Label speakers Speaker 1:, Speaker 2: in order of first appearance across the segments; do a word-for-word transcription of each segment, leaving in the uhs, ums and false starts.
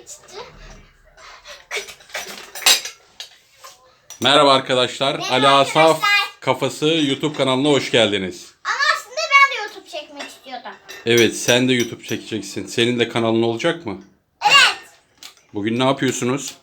Speaker 1: çıtı.
Speaker 2: Merhaba arkadaşlar.
Speaker 1: Merhaba
Speaker 2: Ali Asaf
Speaker 1: arkadaşlar.
Speaker 2: Kafası YouTube kanalına hoş geldiniz.
Speaker 1: Ama aslında ben de YouTube çekmek istiyordum.
Speaker 2: Evet, sen de YouTube çekeceksin. Senin de kanalın olacak mı?
Speaker 1: Evet.
Speaker 2: Bugün ne yapıyorsunuz?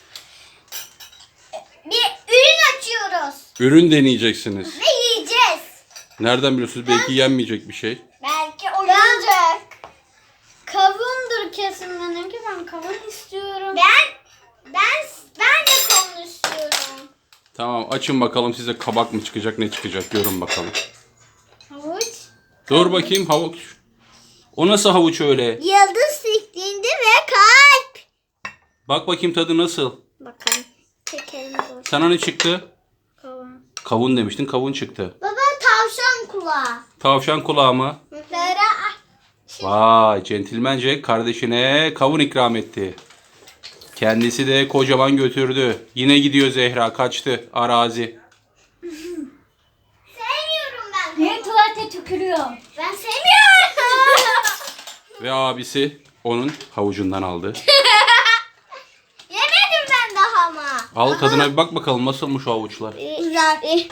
Speaker 1: Bir ürün açıyoruz.
Speaker 2: Ürün deneyeceksiniz.
Speaker 1: Ve yiyeceğiz.
Speaker 2: Nereden biliyorsunuz? Belki yenmeyecek bir şey.
Speaker 1: Belki oyuncak. Kavundur kesin benimki. Ben kavun istiyorum. Ben ben ben de kavun istiyorum.
Speaker 2: Tamam, açın bakalım size kabak mı çıkacak, ne çıkacak, görün bakalım.
Speaker 1: Havuç.
Speaker 2: Dur bakayım, havuç. O nasıl havuç öyle?
Speaker 1: Yıldız şeklinde ve kalp.
Speaker 2: Bak bakayım tadı nasıl?
Speaker 1: Bakalım. Çekelim dur.
Speaker 2: Sana ne çıktı?
Speaker 1: Kavun.
Speaker 2: Kavun demiştin, kavun çıktı.
Speaker 1: Baba tavşan kulağı.
Speaker 2: Tavşan kulağı mı?
Speaker 1: Böyle
Speaker 2: Vay, centilmence kardeşine kavun ikram etti. Kendisi de kocaman götürdü. Yine gidiyor Zehra, kaçtı arazi.
Speaker 1: sevmiyorum ben.
Speaker 3: Niye tuvalete tükürüyor?
Speaker 1: Ben sevmiyorum.
Speaker 2: Ve abisi onun havucundan aldı.
Speaker 1: Yemedim ben daha ama.
Speaker 2: Al tadına bir bak bakalım nasılmış o havuçlar.
Speaker 1: Güzel.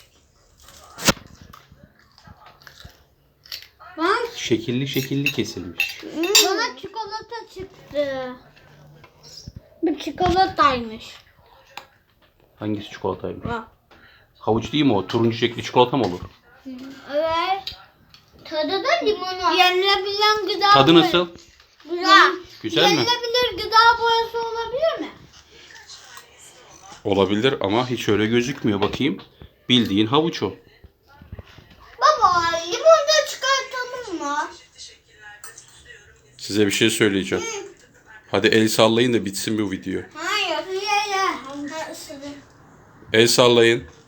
Speaker 3: Bak
Speaker 2: Şekilli şekilli kesilmiş.
Speaker 3: bana çikolata çıktı. Bu çikolataymış.
Speaker 2: Hangisi çikolataymış?
Speaker 3: Bak.
Speaker 2: Havuç değil mi o? Turuncu şekli çikolata mı olur?
Speaker 1: Evet. Tadı da limonu.
Speaker 3: Yenilebilen gıda
Speaker 2: Tadı
Speaker 3: boyası.
Speaker 2: nasıl?
Speaker 1: Güzel.
Speaker 2: Güzel mi?
Speaker 3: Yenilebilir gıda boyası olabilir mi?
Speaker 2: Olabilir ama hiç öyle gözükmüyor. Bakayım. Bildiğin havuç o.
Speaker 1: Baba limonu da çıkartalım mı?
Speaker 2: Size bir şey söyleyeceğim. Hadi el sallayın da bitsin bu video.
Speaker 1: Hayır. Ye ye. Ha, ısırın.
Speaker 2: El sallayın.